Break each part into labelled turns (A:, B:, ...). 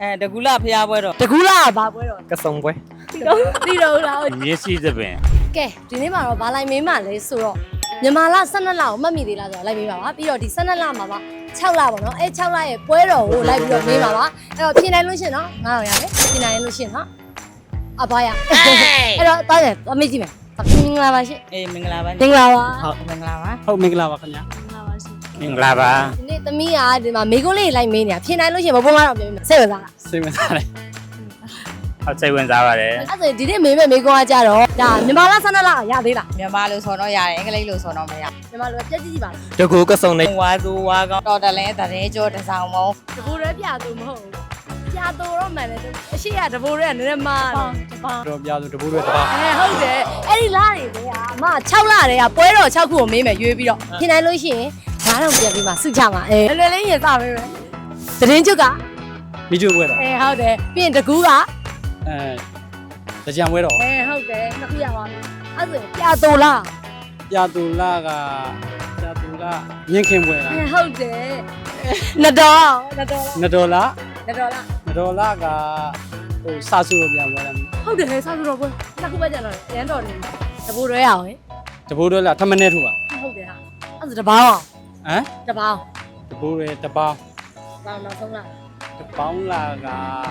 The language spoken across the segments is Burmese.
A: တကူလာဖျားပွဲတော့
B: တကူလာဘာပွဲတော့
C: ကစုံပွဲ
B: တီတော့လား
D: မြေရှိသပင်
B: ကဲဒီနေ့မှာတော့ဘာလိုက်မင်းမှလဲဆိုတော့မြန်မာလ12လကိုမှတ်မိသေးလားဆိုတော့လိုက်မင်းပါပါပြီးတော့ဒီ12လမှာပါ6လပေါ့နော်အဲ6လရဲ့ပွဲတော်ကိုလိုက်ပြီးတော့မင်းပါပါအဲ့တော့ပြင်နိုင်လို့ရှင်နော်9000ရတယ်ပြင်နိုင်လို့ရှင်နော်အဘာရအဲ့တော့တောင်းတယ်အမေကြည့်မယ်မင်္ဂလာပါရှင်
A: အေးမင်္ဂလာပါ
B: မင်္ဂလာပါ
A: ဟုတ်မင်္ဂလာပါ
C: ဟုတ်မင်္ဂလာပါခင်ဗျာ
D: မင်္ဂလာပါ
B: ဒီနေ့သမီးကဒီမှာမိကုန်းလေးလိုက်မင်းနေတာပြင်နိုင်လို့ရှင်ဘဘုံကတော့ပြင်မယ်စိတ်ဝင်စားလား
C: စိတ်ဝင်စားတယ်
D: ဟုတ်စိတ်ဝင်စားပါတယ်
B: အဲ့ဒါဒီနေ့မေးမဲ့မိကုန်းကကြတော့ဒါမြန်မာလ12လရသေးလား
A: မြန်မာလို့ဆိုတော့ရတယ်အင်္ဂလိပ်လို့ဆိုတော့မရ
B: မြန်မာလိုပြည့်ကြည့်ပါလား
C: တကူကစုံနေ
A: ဝါသူဝါကောင်းတော်တလဲတရင်ကျော်တစောင်းမုံ
B: တဘူရဲပြသူမဟုတ်ဘူးပြသူတော့မှန်တယ်အရှိရတဘူရဲကနည်းနည်းမားတယ်
C: တော့ပြဆိုတပူးတွေတပါ
B: ဟုတ်တယ်အဲ့ဒီလားတွေကအမ6လတွေကပွဲတော်6ခုကိုမေးမယ်ရွေးပြီးတော့ပြင်နိုင်လို့ရှိရင်9000ပြန်ပြီးမှစုချမှာလွယ်လေးရင်စပေးမယ်သတင်းချုပ်က
C: မိကျွေးပွဲတော့
B: ဟုတ်တယ်ပြီးရင်တကူက
C: တကြံပွဲတော့
B: ဟုတ်တယ်နှစ်ခုရပါပြီအဲ့ဆိုပြသူလား
C: ပြတူလာကမြင့်ခင်ပွဲလား
B: ဟုတ်တယ်နှစ်တော်
C: နဒေါ်လာ
B: နှစ်တော်လား
C: နဒေါ်လာကဟိုစာစုလို့ပြန်ပွဲလား
B: ဟုတ်တယ်စားစုတော့ပွဲနှစ်ခုပဲကြတော့ရန်တော်နေတဘူရဲအောင်
C: တပူးတွေလားထမနေထူပါ
B: ဟုတ်တယ်ဟာအဲ့ဆိုတပေါင်းအောင်
C: ဟမ်
B: တပေါင်း
C: တပူးတွေတပေါင်း
B: ပေါင်းနောက်ဆုံးလား
C: တပေါင်းလာက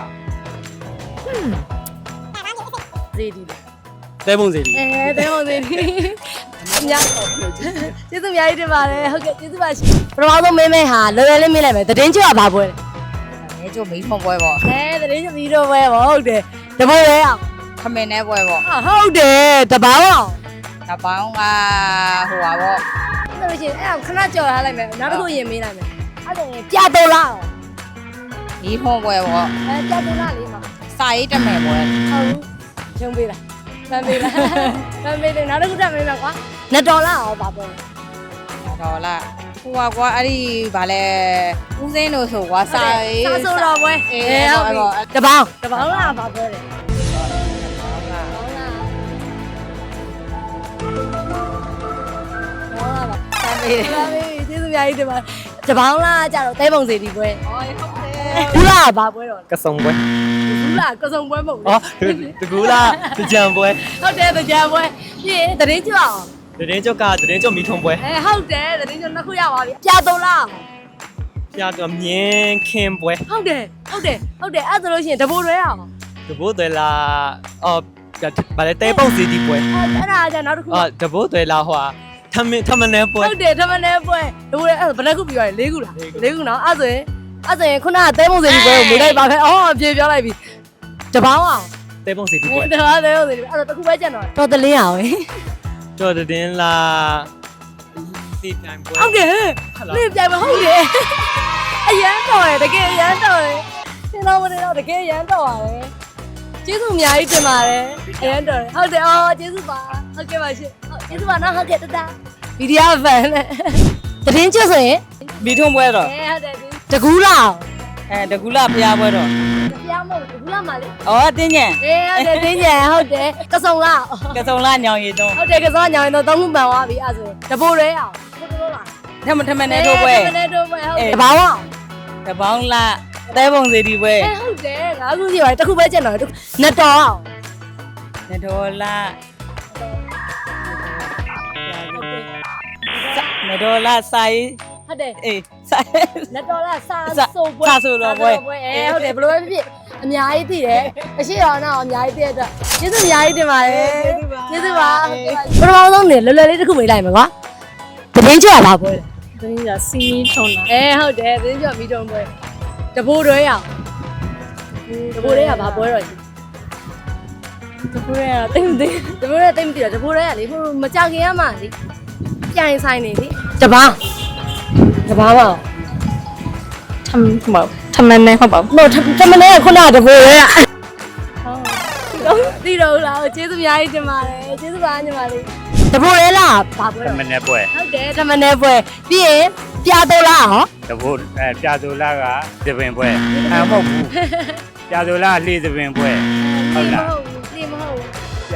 B: ဈေးဒီ
C: တဲပုံစီဒီ
B: တဲဟုတ်သေးတယ်အများကျေးဇူးအများကြီးတင်ပါတယ်ဟုတ်ကဲ့ကျေးဇူးပါရှင်ပထမဆုံးမင်းမဲဟာလော်ရယ်လေးမေးလိုက်မယ်သတင်းကျွတ်ကဘာပွဲလဲ
A: ရဲကျော်မီးထုံပွဲပေါ့
B: သတင်းကျွတ်ပြီးတော့ပွဲပေါ့ဟုတ်တယ်တပွဲရဲအောင်
A: ခမင်းနဲ့ပွဲပေါ့
B: ဟုတ်တယ်တပေါင်းအောင်
A: တပေါင်းကဟိုပါပေါ့
B: ဆိုလို့ရှိရင်အဲ့ဒါခဏကြော်ထားလိုက်မယ်နောက်တစ်ခုရင်မေးလိုက်မယ်အဲ့ဒါရင်ပြတော်လား
A: မီးထုံပွဲပေါ့
B: ပြတော်လားလေးမှာ
A: စာရေးတမယ်ပွဲ
B: ဟုတ်ရုံပေးလားဖမ်းပေးလားဖမ်းပေးတယ်နောက်တစ်ခုတက်မေးမယ်ကွာနှစ်တော်လားအောင်ပါပွဲ
A: တော်လားဟိုကွာအဲ့ဒီဗာလဲဦးစင်းလို့ဆိုကွာစာရေး
B: စာဆိုတော်ပွဲ
A: အေးဟုတ်ပြီ
B: တပေါင်းလားပါပွဲလေဖမ်းပေးတယ်ကျေးဇူးအများကြီးတင်ပါတပေါင်းလားကြတော့တဲပုံစီဒီပွဲ
A: ဟုတ်တယ်
B: ဘူးလားဘာပွဲတော့
C: ကစုံပွဲ
B: ဘူးလားကစုံပွဲမဟုတ်
C: အော်တကူလာတကြံပွဲ
B: ဟုတ်တယ်ကြံပွဲပြည့်တရင်ကြောက်
C: တရင်ကျောက်ကတရင်ကျောက်မီထုံပွဲ
B: ဟုတ်တယ်တရင်ကြောက်နှစ်ခုရပါပြီပြတော်လား
C: ပြတော့မြင်းခင်ပွဲ
B: ဟုတ်တယ်အဲ့ဒါလို့ရှိရင်တဘိုးရွဲအောင်
C: တပူးတွေလာအော်ဗာလေတဲပုံစီဒီပွဲ
B: အဲ့ဒါကြနောက်တစ်ခု
C: အော်တပူးတွေလာဟွာထမနေပွဲ
B: ဟုတ်တယ်ထမနေပွဲတဘိုးရွဲအဲ့ဒါဘယ်နှခုပြီးသွားလဲ၄ခုလား၄ခုနော်အဲ့ဆိုရင်ခုနကတဲပုံစီဒီပွဲကိုမေးလိုက်ပါခဲ့အော်ပြေပြောလိုက်ပြီတပေါင်းအောင်
C: တဲပုံစီဒီပွဲ
B: တပေါင်းတဲပုံစီဒီပွဲအဲ့ဒါတစ်ခုပဲကြံတော့တော်တလင်းအောင်
C: တော်တင်လာစီတိုင်ပွဲ
B: ဟုတ်တယ်နေ့ပြိုင်မဟုတ်တယ်အရန်တော်တယ်တကယ်အရန်တော်တယ်သင်တော်မနေတော့တကယ်အရန်တော်ပါတယ်ကျေးဇူးအများကြီးတင်ပါတယ်အရန်တော်တယ်ဟုတ်တယ်အော်ကျေးဇူးပါဟုတ်ကဲ့ပါရှင်ဟုတ်ကျေးဇူးပါနော်ဟုတ်ကဲ့တတဗီဒီယိုဖန်နဲ့သတင်းကျွတ်ဆိုရင်
A: မီးထုံပွဲတော့
B: ဟုတ်တယ်တကူလာ
A: တကူလာဖျားပွဲတော့
B: ပြားမဟုတ်တကူလာမလေး
A: အော်တင်းညံ
B: ဟုတ်တယ်တင်းကြံဟုတ်တယ်ကစုံလာ
A: ကစုံလာညောင်ရည်တော့
B: ဟုတ်တယ်ကစုံညောင်ရင်တော့သုံးခုမှန်သွားပြီအဲ့ဆိုတပိုးရဲအောင်တပိုးလာ
A: ထမနဲ့ထိုးပွဲ
B: တမနဲ့ထိုးပွဲဟုတ်တယ်တပေါင်းအောင်
A: တပေါင်းလာတဲပုံစီဒီပွဲ
B: ဟုတ်တယ်ငါခုစီပါတယ်တစ်ခုပဲကျန်တော့နှစ်တော်အောင်
A: ဒေါ်လာဒေါ်လာစာရေး
B: ဟုတ်တယ်
A: အေးစာ
B: နှစ်တော်လားစာဆိုပွဲ
A: စာဆိုတော့ပွဲ
B: ဟုတ်တယ်ဘယ်လိုပဲဖြစ်အများကြီးသိတယ်အရှိတော်တော့အများကြီးသိတဲ့အတွက်ကျေးဇူးအများကြီးတင်ပါတယ်ကျေးဇူးပါပထမဆုံးနေလွယ်လွယ်လေးတစ်ခုမေးလိုက်မယ်ကွာသတင်းကြွပါပွဲ
E: သတင်းကြစီးထုံတာ
B: ဟုတ်တယ်သတင်းကြွမီးတုံးပွဲတဘိုးတွဲရအောင်တဘိုးရဲကဘာပွဲတော့ရှိ
E: တပူရတိတ်မသိ
B: တဘိုးရဲတိတ်မသိတော့တဘိုးရဲကလေဟိုမကြောက်ခင်ရမှလေပြိုင်ဆိုင်နေလေတပားပါ
E: ထမနဲ့ဟုတ်ပါဘူး
B: တော့တမနဲ့ခုနကတဘိုးရဲက
E: ဟုတ်
B: သိတော့လားကျေးဇူးအများကြီးတင်ပါတယ်ကျေးဇူးပါညီမလေးတဘိုးရဲလားဘာပွဲ
D: တ
B: တော့
D: မနဲ့ပွဲ
B: ဟုတ်တယ်တမနဲ့ပွဲပြီးရင်ပြတော်လားဟော
D: တဘိုးပြသူလာကသပင်ပွဲမဟုတ်ဘူးပြသူလာလှေသပင်ပွဲဟုတ်လား
B: ဒီမဟုတ်ဘူး
D: ပြ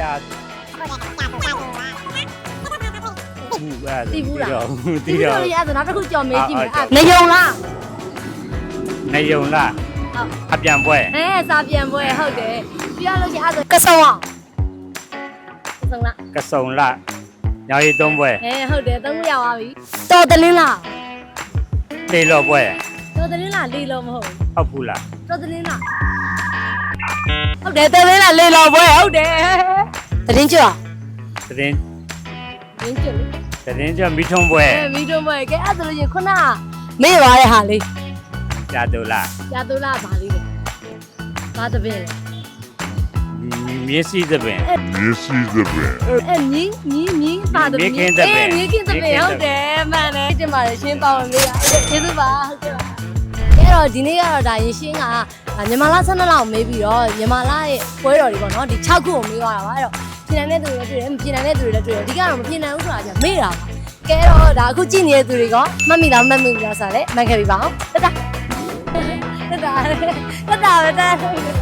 D: ဘူးအဲ့တီးတော့
B: ဒီလိုရဆိုနောက်တစ်ခုကြော်မေးကြည့်မယ်နေုံလား
D: နေယုံလား
B: ဟ
D: အပြန်ပွဲ
B: စာပြန်ပွဲဟုတ်တယ်ပြရလို့ရှိရင်အဲ့ဒါကဆုံအောင်ကဆုံလား
D: ကစုံလညောင်ရီသုံးပွဲ
B: ဟုတ်တယ်သုံးရပါပြီတော်တလင်းလား
D: လေလော်ပွဲ
B: တော်တလင်းလားလေးလုံးမဟုတ်
D: ဟုတ်ဘူးလား
B: တော်တလင်းလားဟုတ်တယ်တော်တလင်းလားလေးလုံးပွဲဟုတ်တယ်တရင်ကျော်
D: သတင်း
B: ရင်းကျော်လေ
D: သတင်းကြမိထုံးပွဲ
B: မီတို့မကဲအဲ့ဒါလို့ရင်ခုနမေ့ပါတဲ့ဟာလေး
D: ကြာသူလား
B: ရတူလားဗာလေးလေဘာတပင်းလဲ
D: မျက်စိသပင်
B: အဲ့မြင်းပါတပင်းမြင်းခင်းတပင်းဟုတ်တယ်မှန်တယ်တင်ပါတယ်ရှင်းပါဝင်လေးရကျေးဇူးပါဟုတ်ကဲ့ပါအဲ့တော့ဒီနေ့ကတော့ဒါရင်ရှင်းကမြန်မာလား12လောက်မေးပြီးတော့မြန်မာလားရဲ့ပွဲတော်တွေပေါ့နော်ဒီ6ခုကိုမေးသွားတာပါအဲ့တော့ပြင်နိုင်တဲ့သူတွေလည်းတွေ့တယ်မပြင်နိုင်တဲ့သူတွေလည်းတွေ့တယ်ဒီကတော့မပြင်နိုင်ဘူးဆိုတာじゃမေးတာပါကဲတော့ဒါအခုကြည့်နေတဲ့သူတွေကမှတ်မိလားမမှတ်မိဘူးလားဆိုတာလည်းမှတ်ခဲ့ပြီပါအောင်တက်တာပဲ